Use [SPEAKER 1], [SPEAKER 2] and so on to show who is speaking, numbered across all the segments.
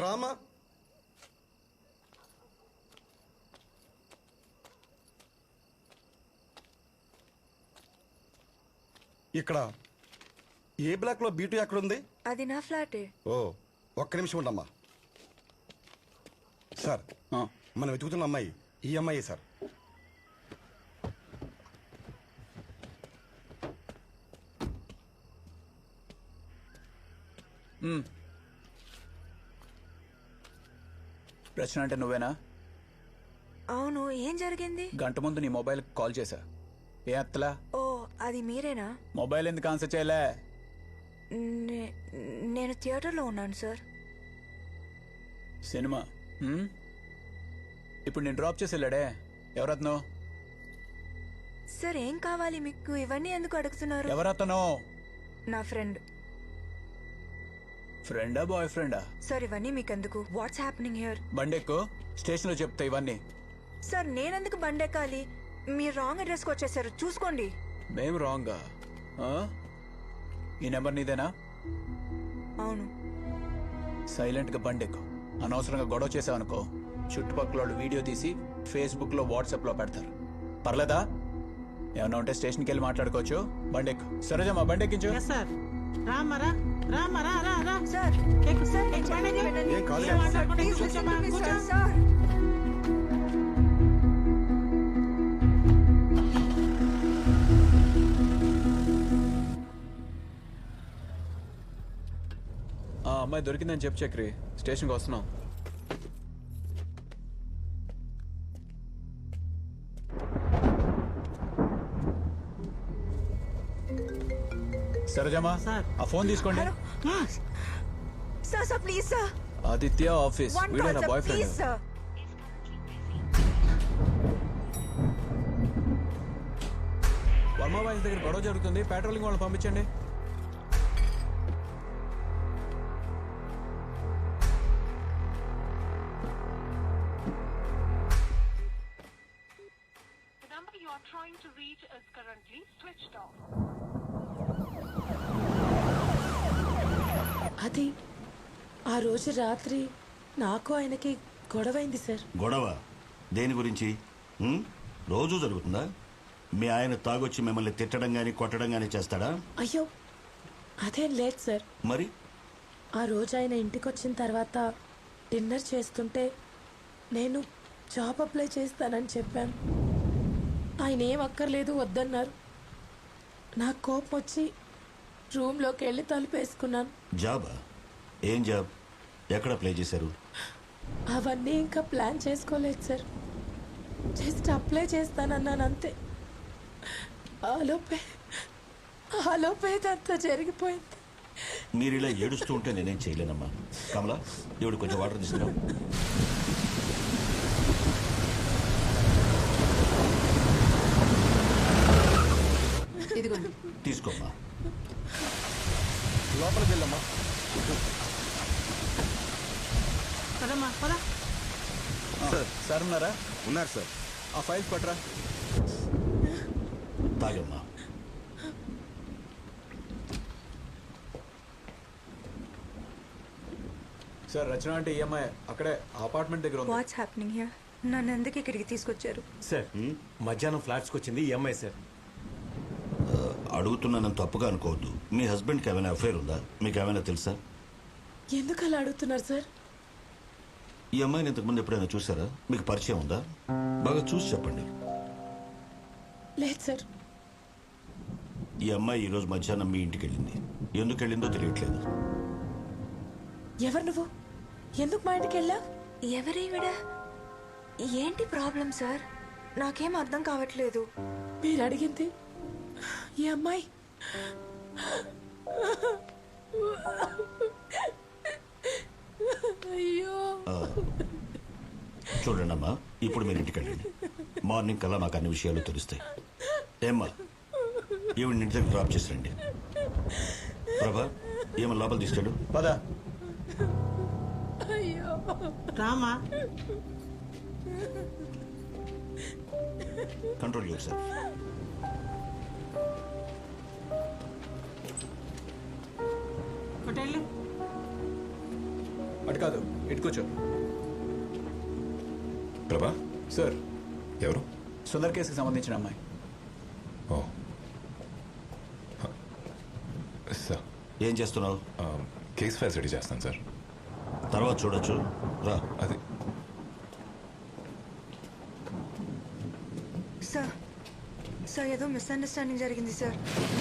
[SPEAKER 1] రామా. ఇక్కడ ఏ బ్లాక్ లో బీటు ఎక్కడుంది?
[SPEAKER 2] అది నా ఫ్లాటే.
[SPEAKER 1] ఓ ఒక్క నిమిషం ఉండమ్మా. సార్, మనం వెతుకుతున్న అమ్మాయి ఈ అమ్మాయి సార్.
[SPEAKER 3] రచన అంటే నువ్వేనా?
[SPEAKER 2] అవును, ఏం జరిగింది?
[SPEAKER 3] గంట ముందు నీ మొబైల్ కాల్ చేశా, ఏ అత్తలా?
[SPEAKER 2] ఓ అది మీరేనా?
[SPEAKER 3] మొబైల్ ఎందుకు ఆన్సర్ చేయలే?
[SPEAKER 2] నేను థియేటర్లో ఉన్నాను సార్.
[SPEAKER 3] సినిమా ఇప్పుడు నేను డ్రాప్ చేసి వెళ్ళాడే, ఎవరతను?
[SPEAKER 2] సార్ ఏం కావాలి మీకు? ఇవన్నీ ఎందుకు అడుగుతున్నారు?
[SPEAKER 3] ఎవరతను?
[SPEAKER 2] నా ఫ్రెండ్.
[SPEAKER 3] ఫ్రెండా బాయ్ ఫ్రెండా?
[SPEAKER 2] సార్ ఇవన్నీ మీకెందుకు? What's happening here?
[SPEAKER 3] బండెక్కు, స్టేషన్ లో చెప్తా ఇవన్నీ.
[SPEAKER 2] సార్ నేనెందుకు బండెక్కాలి? మీరు రాంగ్ అడ్రస్కి వచ్చేసారు, చూసుకోండి.
[SPEAKER 3] మేము రాంగా? ఈ నెంబర్ నీదేనా?
[SPEAKER 2] అవును.
[SPEAKER 3] సైలెంట్ గా బండెక్కు. అనవసరంగా గొడవ చేసావనుకో, చుట్టుపక్కల వాళ్ళు వీడియో తీసి ఫేస్బుక్ లో వాట్సాప్ లో పెడతారు. పర్లేదా? ఏమన్నా ఉంటే స్టేషన్కి వెళ్ళి మాట్లాడుకోవచ్చు. బండెక్కు. సరేజమ్మా, బండెక్కించు.
[SPEAKER 2] సార్
[SPEAKER 1] ఏం కాదు.
[SPEAKER 2] సార్
[SPEAKER 3] అమ్మాయి దొరికిందని చెప్పు చక్రి, స్టేషన్కి వస్తున్నాం. సరేజమ్మా, ఆ ఫోన్ తీసుకోండి.
[SPEAKER 2] Sir please sir.
[SPEAKER 3] Aditya office, వీడే నా boyfriend.
[SPEAKER 2] Sir
[SPEAKER 3] Varma boys దగ్గర గొడవ జరుగుతుంది, పెట్రోలింగ్ వాళ్ళని పంపించండి.
[SPEAKER 4] Trying to reach is currently switched off.
[SPEAKER 5] అది ఆ రోజు రాత్రి నాకు ఆయనకి గొడవైంది సార్.
[SPEAKER 6] గొడవ దేని గురించి? రోజు జరుగుతుందా? మీ ఆయన తాగొచ్చి మిమ్మల్ని తిట్టడం గాని కొట్టడం గాని చేస్తాడా?
[SPEAKER 5] అయ్యో అదేం లేదు సార్.
[SPEAKER 6] మరి
[SPEAKER 5] ఆ రోజు ఆయన ఇంటికి వచ్చిన తర్వాత డిన్నర్ చేస్తుంటే నేను జాబ్ అప్లై చేస్తానని చెప్పాను. ఆయన ఏం అక్కర్లేదు వద్దన్నారు. నాకు కోపం వచ్చి రూమ్లోకి వెళ్ళి తలుపేసుకున్నాను.
[SPEAKER 6] జాబా? ఏం జాబ్? ఎక్కడ అప్లై చేశారు?
[SPEAKER 5] అవన్నీ ఇంకా ప్లాన్ చేసుకోలేదు సార్. జస్ట్ అప్లై చేస్తానన్నాను అంతే. ఆలోపే అంతా జరిగిపోయింది.
[SPEAKER 6] మీరు ఇలా ఏడుస్తూ ఉంటే నేనేం చేయలేనమ్మా. కమలా, దేవుడు కొంచెం వాటర్ తీసుకురా. తీసుకోమ్మా.
[SPEAKER 1] లోపలికి వెళ్ళమ్మా.
[SPEAKER 3] సార్ ఉన్నారా?
[SPEAKER 1] ఉన్నారు సార్.
[SPEAKER 3] ఆ ఫైల్స్ పట్టరా.
[SPEAKER 6] తాగమ్మా.
[SPEAKER 3] సార్, రచన అంటే ఈఎంఐ అక్కడే అపార్ట్మెంట్ దగ్గర ఉంది.
[SPEAKER 2] What's happening here? నన్ను ఎందుకు ఇక్కడికి తీసుకొచ్చారు?
[SPEAKER 7] సార్ మధ్యాహ్నం ఫ్లాట్స్కి వచ్చింది ఈఎంఐ సార్.
[SPEAKER 6] అడుగుతున్నానని తప్పుగా అనుకోవద్దు. మీ హస్బెండ్కి ఏమైనా అఫైర్ ఉందా? మీకు ఏమైనా తెలుసా?
[SPEAKER 5] ఎందుకు అలా అడుగుతున్నారు సార్?
[SPEAKER 6] ఈ అమ్మాయిని ఇంతకుముందు ఎప్పుడైనా చూసారా? మీకు పరిచయం ఉందా? బాగా చూసి చెప్పండి.
[SPEAKER 5] లేదు సార్.
[SPEAKER 6] ఈ అమ్మాయి ఈరోజు మధ్యాహ్నం మీ ఇంటికి వెళ్ళింది. ఎందుకు వెళ్ళిందో తెలియట్లేదు.
[SPEAKER 5] ఎవరు నువ్వు? ఎందుకు మా ఇంటికి వెళ్ళా?
[SPEAKER 2] ఎవరేవిడ? ఏంటి ప్రాబ్లం సార్? నాకేం అర్థం కావట్లేదు.
[SPEAKER 5] మీరు అడిగింది ఈ అమ్మాయి. అయ్యో.
[SPEAKER 6] చూడండి అమ్మా, ఇప్పుడు మీరు ఇంటికి వెళ్ళండి. మార్నింగ్ కల్లా మాకు అన్ని విషయాలు తెలుస్తాయి. ఏమ్మా, ఈవిడ ఇంటి దగ్గర డ్రాప్ చేసి రండి. ప్రభా, ఏమన్నా లోపల తీసుకెళ్ళు.
[SPEAKER 3] పద.
[SPEAKER 5] అయ్యో
[SPEAKER 8] Rama.
[SPEAKER 6] Control yourself.
[SPEAKER 8] Hotel
[SPEAKER 3] అటు కాదు, ఇటు కూర్చో.
[SPEAKER 8] ప్రభా
[SPEAKER 3] సార్,
[SPEAKER 8] ఎవరు?
[SPEAKER 3] సుందర్ కేసుకి సంబంధించిన అమ్మాయి.
[SPEAKER 8] ఓ సార్,
[SPEAKER 6] ఏం చేస్తున్నావు?
[SPEAKER 8] కేస్ ఫైల్స్ రెడీ చేస్తాను సార్.
[SPEAKER 6] తర్వాత చూడొచ్చు, రా.
[SPEAKER 8] అది
[SPEAKER 2] సార్ సార్ ఏదో మిస్అండర్స్టాండింగ్ జరిగింది సార్.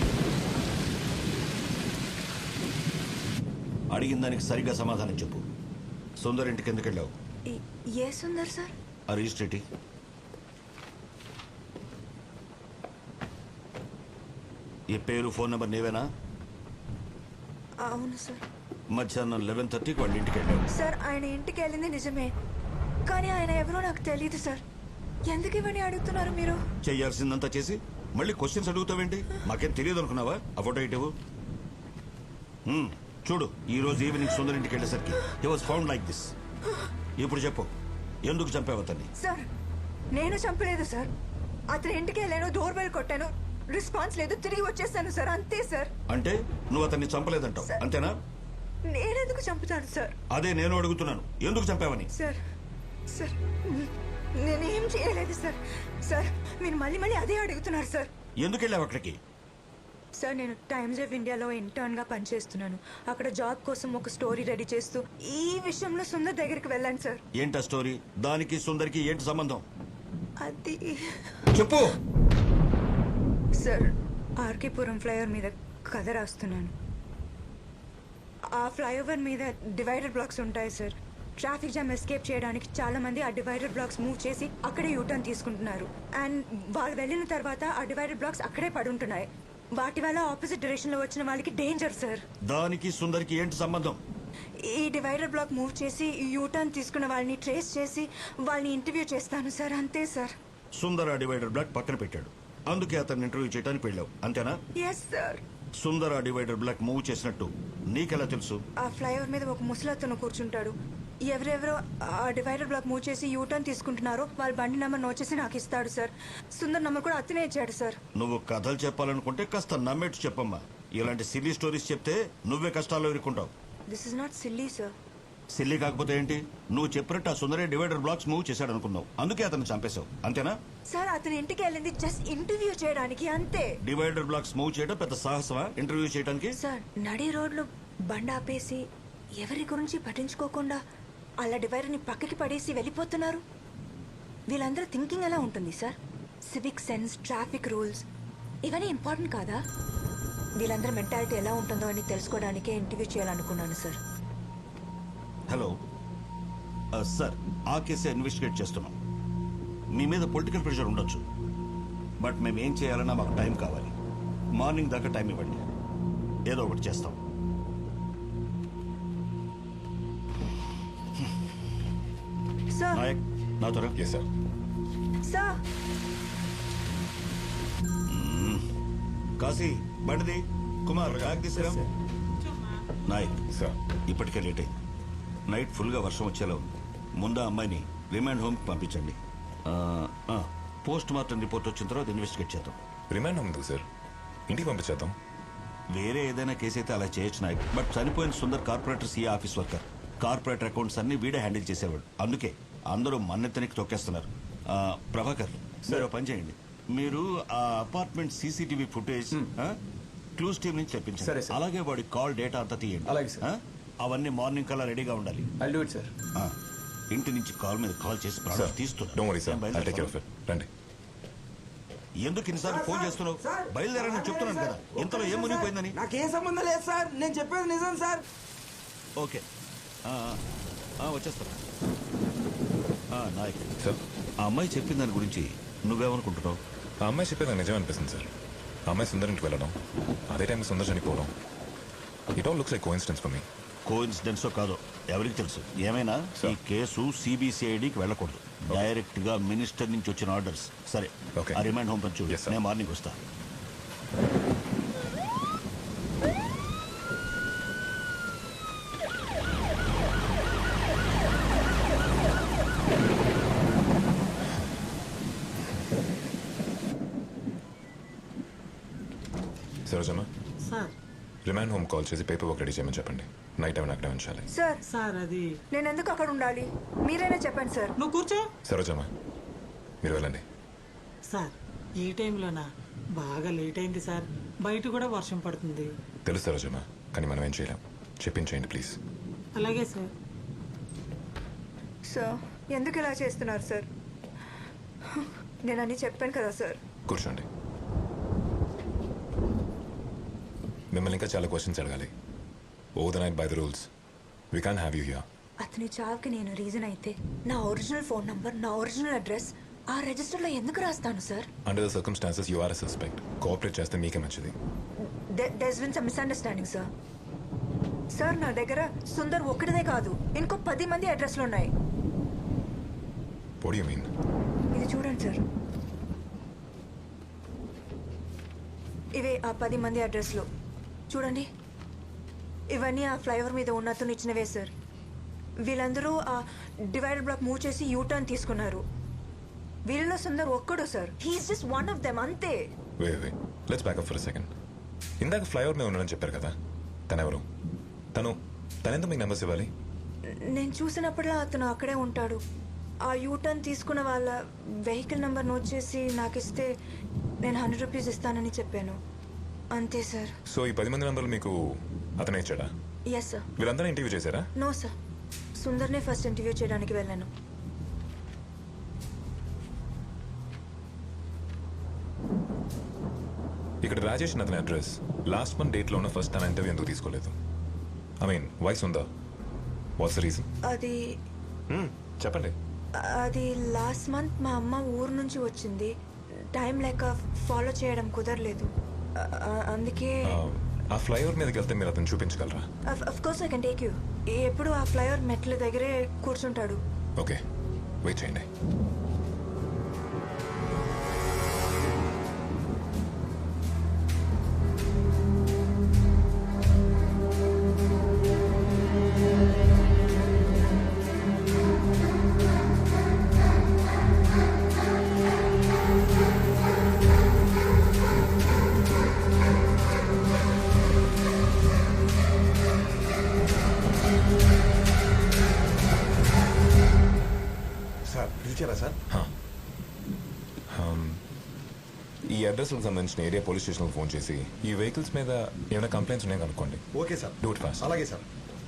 [SPEAKER 6] అడిగిన దానికి సరిగ్గా సమాధానం చెప్పు. సుందర్ ఇంటికి ఎందుకు వెళ్ళావు?
[SPEAKER 2] ఏ సుందర్ సార్?
[SPEAKER 6] ఆ రిజిస్ట్రేటి ఈ పేరు ఫోన్ నెంబర్ నీవేనా?
[SPEAKER 2] అవును సార్.
[SPEAKER 6] మధ్యాహ్నం 11:30కి వాళ్ళ ఇంటికి వెళ్ళావు.
[SPEAKER 2] సార్ ఆయన ఇంటికి వెళ్ళింది నిజమే, కానీ ఆయన ఎవరో నాకు తెలియదు సార్. ఎందుకు ఇవన్నీ అడుగుతున్నారు మీరు?
[SPEAKER 6] చెయ్యాల్సిందంతా చేసి మళ్ళీ క్వశ్చన్స్ అడుగుతావేంటి? మాకేం తెలియదు అనుకున్నావా? ఆ ఫోటో ఇటు చూడు. ఈ రోజు ఈవినింగ్ సుందర్ ఇంటికి వెళ్ళేసరికి he was found like this. ఇప్పుడు చెప్పు, ఎందుకు చంపావు అతన్ని?
[SPEAKER 2] సార్ నేను చంపలేదు సార్. అతని ఇంటికి వెళ్ళాను, డోర్ బెల్ కొట్టాను, రెస్పాన్స్ లేదు, తిరిగి వచ్చేసాను సార్, అంతే సార్.
[SPEAKER 6] అంటే నువ్వు అతన్ని చంపలేదంటావు, అంతేనా?
[SPEAKER 2] నేనెందుకు చంపుతాను సార్?
[SPEAKER 6] అదే నేను అడుగుతున్నాను, ఎందుకు చంపావని.
[SPEAKER 2] సార్ సార్ నేనేం చేయలేదు సార్. సార్ మీరు మళ్ళీ మళ్ళీ అదే అడుగుతున్నారు సార్.
[SPEAKER 6] ఎందుకు వెళ్ళావు అక్కడికి?
[SPEAKER 2] సార్ నేను టైమ్స్ ఆఫ్ ఇండియాలో ఇంటర్న్గా పనిచేస్తున్నాను. అక్కడ జాబ్ కోసం ఒక స్టోరీ రెడీ చేస్తూ ఈ విషయంలో సుందర్ దగ్గరికి వెళ్ళాను సార్.
[SPEAKER 6] ఏంటా స్టోరీ? దానికి సుందర్కి ఏంటి సంబంధం?
[SPEAKER 2] అది
[SPEAKER 6] చెప్పు.
[SPEAKER 2] సార్ ఆర్కేపురం ఫ్లైఓవర్ మీద కథ రాస్తున్నాను. ఆ ఫ్లైఓవర్ మీద డివైడర్ బ్లాక్స్ ఉంటాయి సార్. ట్రాఫిక్ జామ్ ఎస్కేప్ చేయడానికి చాలా మంది ఆ డివైడర్ బ్లాక్స్ మూవ్ చేసి అక్కడే యూటర్న్ తీసుకుంటున్నారు. అండ్ వాళ్ళు వెళ్ళిన తర్వాత ఆ డివైడర్ బ్లాక్స్ అక్కడే పడుంటున్నాయి. వాటి వల్ల ఆపోజిట్ డైరెక్షన్ లో వచ్చిన వాళ్ళకి డేంజర్ సార్.
[SPEAKER 6] దానికి సుందర్కి ఏంటి సంబంధం?
[SPEAKER 2] ఈ డివైడర్ బ్లాక్ మూవ్ చేసి యూటర్న్ తీసుకున్న వాళ్ళని ట్రేస్ చేసి వాళ్ళని ఇంటర్వ్యూ చేస్తాను సార్, అంతే సార్.
[SPEAKER 6] సుందర్ ఆ డివైడర్ బ్లాక్ పక్కన పెట్టాడు, అందుకే అతన్ని ఇంటర్వ్యూ చేయడానికి వెళ్ళావు, అంతేనా?
[SPEAKER 2] Yes sir.
[SPEAKER 6] సుందర్ ఆ డివైడర్ బ్లాక్ మూవ్ చేసినట్టు నీకెలా తెలుసు?
[SPEAKER 2] ఆ ఫ్లైఓవర్ మీద ఒక ముసలతను కూర్చుంటాడు. ఎవరెవరో ఆ డివైడర్ బ్లాక్ మూవ్ చేసి యూటర్న్ తీసుకుంటున్నారో వాళ్ళ బండి నెంబర్ నోట్ చేసి నాకు ఇస్తాడు సార్. సుందర్ నెంబర్ కూడా అతనే ఇచ్చాడు సార్.
[SPEAKER 6] నువ్వు కథలు చెప్పాలనుకుంటే కాస్త నమ్మేట్టు చెప్పమ్మా. ఇలాంటి సిల్లీ స్టోరీస్ చెప్తే నువ్వే కష్టాల్లో ఇరుక్కుంటావు.
[SPEAKER 2] This is not silly sir.
[SPEAKER 6] Silly కాకపోతే ఏంటి? నువ్వు చెప్పినట్టు ఆ సుందరే డివైడర్ బ్లాక్స్ మూవ్ చేశాడు అనుకున్నావు, అందుకే అతను చంపేశావు, అంతేనా?
[SPEAKER 2] సార్ అతని ఇంటికి వెళ్ళింది జస్ట్ ఇంటర్వ్యూ చేయడానికి, అంతే.
[SPEAKER 6] డివైడర్ బ్లాక్స్ మూవ్ చేయడం పెద్ద సాహసమా ఇంటర్వ్యూ చేయడానికి?
[SPEAKER 2] సార్ నడి రోడ్లో బండి ఆపేసి ఎవరి గురించి పట్టించుకోకుండా అలా డివైడర్ని పక్కకి పడేసి వెళ్ళిపోతున్నారు. వీళ్ళందరూ థింకింగ్ ఎలా ఉంటుంది sir? Civic sense, traffic rules ఇవన్నీ ఇంపార్టెంట్ కాదా? వీళ్ళందరూ మెంటాలిటీ ఎలా ఉంటుందో అని తెలుసుకోవడానికే ఇంటర్వ్యూ చేయాలనుకున్నాను సార్.
[SPEAKER 6] హలో సార్, ఆ కేసే ఇన్వెస్టిగేట్ చేస్తున్నాం. మీ మీద పొలిటికల్ ప్రెషర్ ఉండొచ్చు, బట్ మేము ఏం చేయాలన్నా మాకు టైం కావాలి. మార్నింగ్ దాకా టైం ఇవ్వండి, ఏదో ఒకటి చేస్తాం.
[SPEAKER 2] సార్
[SPEAKER 6] నాయక్, నా త్వర.
[SPEAKER 8] Yes sir.
[SPEAKER 2] సార్
[SPEAKER 6] కాశీ, బండిది. కుమార్, బ్యాగ్ తీసుకురా. నాయక్
[SPEAKER 8] సార్.
[SPEAKER 6] ఇప్పటికే లేట్ అయింది. నైట్ ఫుల్గా వర్షం వచ్చేలా ఉంది. ముందు ఆ అమ్మాయిని రిమాండ్ హోమ్కి పంపించండి. పోస్ట్ మార్టం రిపోర్ట్ వచ్చిన తర్వాత ఇన్వెస్టిగేట్ చేద్దాం.
[SPEAKER 8] రిమాండ్ ఉంది సార్, ఇంటికి పంపించేద్దాం.
[SPEAKER 6] వేరే ఏదైనా కేసు అయితే అలా చేయొచ్చు నాయక్, బట్ చనిపోయిన Sundar corporator CA office worker. Corporator accounts అన్ని వీడే హ్యాండిల్ చేసేవాడు, అందుకే అందరూ మన్నెత్తనికి తొక్కేస్తున్నారు. ప్రభాకర్, మీరు పని చేయండి. మీరు ఆ apartment CCTV footage clues team నుంచి
[SPEAKER 3] సరే,
[SPEAKER 6] తెప్పించండి.
[SPEAKER 3] సార్.
[SPEAKER 6] అలాగే వాడి కాల్ డేటా అంతా తీయండి.
[SPEAKER 3] అలాగే, సార్.
[SPEAKER 6] అవన్నీ మార్నింగ్ కల్లా రెడీగా ఉండాలి.
[SPEAKER 3] I do it sir.
[SPEAKER 6] ఇంటి నుంచి కాల్ మీద కాల్ చేసి
[SPEAKER 8] సార్,
[SPEAKER 6] ప్రాణాలు తీస్తున్నా.
[SPEAKER 8] Don't worry sir, I'll take care of it. రండి.
[SPEAKER 6] ఎందుకు ఇన్నిసార్లు ఫోన్ చేస్తున్నావు? బయలుదేరని చెప్తున్నాను కదా, ఇంతలో ఏం మునిగిపోయిందని.
[SPEAKER 9] నాకేం సంబంధం లేదు సార్, నేను చెప్పేది నిజం సార్.
[SPEAKER 6] ఓకే, వచ్చేస్తాను. నాయక్
[SPEAKER 8] సార్,
[SPEAKER 6] ఆ అమ్మాయి చెప్పిన దాని గురించి నువ్వేమనుకుంటున్నావు?
[SPEAKER 8] ఆ అమ్మాయి చెప్పేది నాకు నిజం అనిపిస్తుంది సార్. ఆ అమ్మాయి సుందర్ ఇంటికి వెళ్ళడం, అదే టైంకి సుందర్ చనిపోవడం, it all looks like coincidence for me.
[SPEAKER 6] కోఇన్సిడెన్సో కాదో ఎవరికి తెలుసు. ఏమైనా ఈ కేసు సిబిసిఐడికి వెళ్ళకూడదు, డైరెక్ట్ గా మినిస్టర్ నుంచి వచ్చిన ఆర్డర్స్. సరే,
[SPEAKER 8] Okay.
[SPEAKER 6] ఆ రిమైండ్ హోమ్ పని చూడు.
[SPEAKER 8] Yes, sir.
[SPEAKER 6] నేను మార్నింగ్ వస్తా.
[SPEAKER 8] Sarojamma,
[SPEAKER 10] sir
[SPEAKER 8] remand home call చేసి పేపర్ వర్క్ రెడీ చేయమని చెప్పండి. నైట్ టైం అక్కడే ఉంచాలి.
[SPEAKER 2] సార్
[SPEAKER 9] సార్ అది
[SPEAKER 2] నేను ఎందుకు అక్కడ ఉండాలి? మీరైనా చెప్పండి సార్.
[SPEAKER 9] నువ్వు కూర్చో.
[SPEAKER 8] సరోజమ్మా మీరు వెళ్ళండి.
[SPEAKER 9] సార్ ఈ టైంలోనా? బాగా లేట్ అయింది సార్, బయట కూడా వర్షం పడుతుంది.
[SPEAKER 8] తెలుసు సరోజమ్మా, కానీ మనం ఏం చేయలేం. చెప్పించేయండి ప్లీజ్.
[SPEAKER 9] అలాగే సార్.
[SPEAKER 2] సార్ ఎందుకు ఇలా చేస్తున్నారు సార్? నేను అన్నీ చెప్పాను కదా సార్.
[SPEAKER 8] కూర్చోండి. మిమ్మల్ని ఇంకా చాలా క్వశ్చన్స్ అడగాలి. Oh the night by the rules we can have you here.
[SPEAKER 2] అతని చావుకి నేను రీజన్ అయితే నా ఒరిజినల్ ఫోన్ నంబర్, నా ఒరిజినల్ అడ్రస్ ఆ రిజిస్టర్లో ఎందుకు రాస్తాను sir?
[SPEAKER 8] Under the circumstances you are a suspect. Cooperate చేస్తే మీకే మంచిది.
[SPEAKER 2] There's been some misunderstanding sir. Sir నా దగ్గర సుందర్ ఒక్కడిదే కాదు, ఇంకో 10 మంది అడ్రస్లు ఉన్నాయి.
[SPEAKER 8] What do you mean?
[SPEAKER 2] ఇది చూడండి సార్, ఇవే ఆ 10 మంది అడ్రస్లు. చూడండి, ఇవన్నీ ఆ ఫ్లైఓవర్ మీద ఉన్న అతను ఇచ్చినవే సార్. వీళ్ళందరూ ఆ డివైడర్ బ్లాక్ మూవ్ చేసి యూటర్న్ తీసుకున్నారు. వీళ్ళలో సుందర్ ఒక్కడు sir. He's just one of them, అంతే.
[SPEAKER 8] Wait let's back up for a second. ఇందాక ఫ్లైఓవర్ మీద ఉన్నాడని చెప్పారు కదా, తనెవరు? తనెందుకు మీకు నెంబర్స్ ఇవ్వాలి?
[SPEAKER 2] నేను చూసినప్పుడల్లా అతను అక్కడే ఉంటాడు. ఆ యూటర్న్ తీసుకున్న వాళ్ళ వెహికల్ నెంబర్ నోట్ చేసి నాకు ఇస్తే నేను 100 రూపీస్ ఇస్తానని చెప్పాను, అంతే సార్.
[SPEAKER 8] సో ఈ 10 మంది నెంబర్లు మీకు అతనే ఇచ్చాడా?
[SPEAKER 2] Yes sir.
[SPEAKER 8] వీళ్ళందరూ ఇంటర్వ్యూ చేశారా?
[SPEAKER 2] నో సార్, సుందర్నే ఫస్ట్ ఇంటర్వ్యూ చేయడానికి వెళ్ళాను.
[SPEAKER 8] ఇక్కడ రాజేష్ అతని అడ్రస్ లాస్ట్ మంత్ డేట్లో ఉన్న ఫస్ట్ తన ఇంటర్వ్యూ ఎందుకు తీసుకోలేదు? I mean why Sundar? What's the reason?
[SPEAKER 2] అది
[SPEAKER 8] చెప్పండి.
[SPEAKER 2] అది లాస్ట్ మంత్ మా అమ్మ ఊరు నుంచి వచ్చింది. టైం లేక ఫాలో చేయడం కుదరలేదు, అందుకే.
[SPEAKER 8] ఆ ఫ్లైఓవర్ మీదకి వెళ్తే మీరు అతను చూపించగలరా?
[SPEAKER 2] Of course I can take you. ఎప్పుడు ఆ ఫ్లైఓవర్ మెట్ల దగ్గరే కూర్చుంటాడు.
[SPEAKER 8] ఓకే, వెయిట్ చేయండి.
[SPEAKER 1] సార్ పిలిచారా సార్?
[SPEAKER 8] ఈ అడ్రస్కి సంబంధించిన ఏరియా పోలీస్ స్టేషన్కి ఫోన్ చేసి ఈ వెహికల్స్ మీద ఏమైనా కంప్లైంట్స్ ఉన్నాయో కనుక్కోండి.
[SPEAKER 1] Okay sir.
[SPEAKER 8] Do it fast.
[SPEAKER 1] అలాగే sir.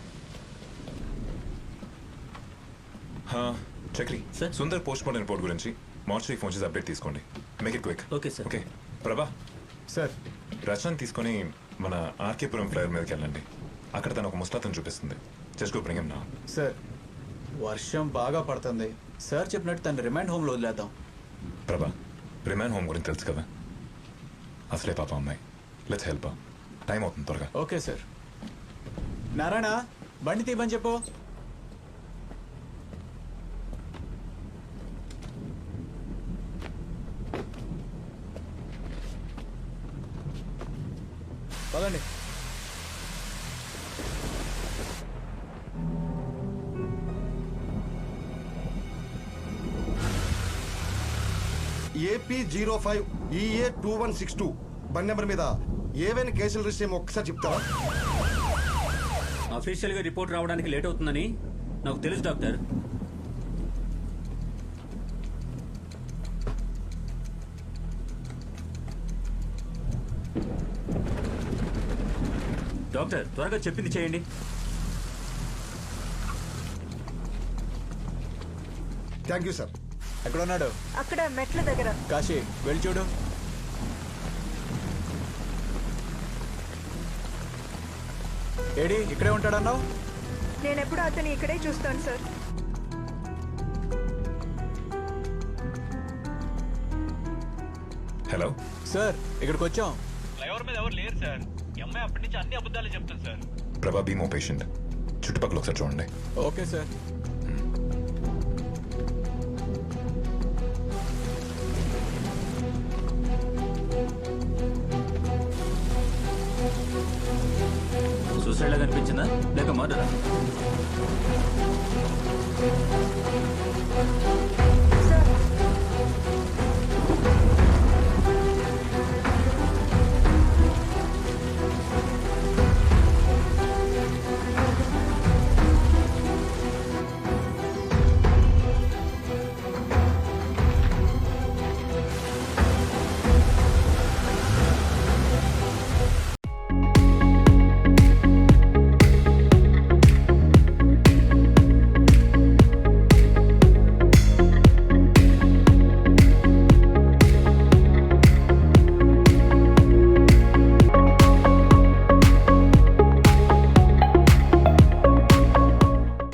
[SPEAKER 8] Chakri sir, Sundar post mortem report గురించి మార్చి ఫోన్ చేసి అప్డేట్ తీసుకోండి. Make it quick.
[SPEAKER 7] Okay sir.
[SPEAKER 8] Okay Prabha
[SPEAKER 3] sir
[SPEAKER 8] Rachana తీసుకొని మన ఆర్కేపురం ఫ్లైఓవర్ మీదకి వెళ్ళండి. అక్కడ తను ఒక ముస్తాతను చూపిస్తుంది. Just go bring him now.
[SPEAKER 3] Sir వర్షం బాగా పడుతుంది సార్, చెప్పినట్టు తను రిమైండ్ హోమ్లో వదిలేద్దాం.
[SPEAKER 8] ప్రభా రిమాండ్ హోమ్ గురించి తెలుసు కదా, అసలే పాప అమ్మాయి. Let's help. టైం అవుతుంది, త్వరగా.
[SPEAKER 3] Okay sir. నారాయణ బండి తీయమని చెప్పు. పదండి.
[SPEAKER 1] AP05 EA2162 బండి నెంబర్ మీద ఏవైనా కేసులు రిజిస్టర్ ఏమో ఒక్కసారి చెప్తారా?
[SPEAKER 7] అఫీషియల్ గా రిపోర్ట్ రావడానికి లేట్ అవుతుందని నాకు తెలుసు డాక్టర్. డాక్టర్ త్వరగా చెప్పింది చేయండి.
[SPEAKER 1] Thank you sir.
[SPEAKER 3] ఎక్కడ ఉన్నాడు?
[SPEAKER 2] అక్కడ మెట్ల దగ్గర.
[SPEAKER 3] కాశీ వెళ్ళి చూడు. ఏడి ఇక్కడే ఉంటాడన్నావు?
[SPEAKER 2] నేను ఎప్పుడు అతన్ని ఇక్కడే చూస్తాను సార్.
[SPEAKER 8] హలో
[SPEAKER 3] సార్, ఇక్కడికి వచ్చాం.
[SPEAKER 7] ఫ్లైఓవర్ మీద ఎవరు లేరు సార్. ఈ అమ్మాయి అప్పటి నుంచి అన్ని అబద్ధాలు చెప్తాను సార్.
[SPEAKER 8] ప్రభా బీ మో పేషెంట్. చుట్టుపక్కల ఒకసారి చూడండి.
[SPEAKER 3] Okay sir.
[SPEAKER 7] సూసైడ్ లా కనిపించిందా లేక మర్డరా?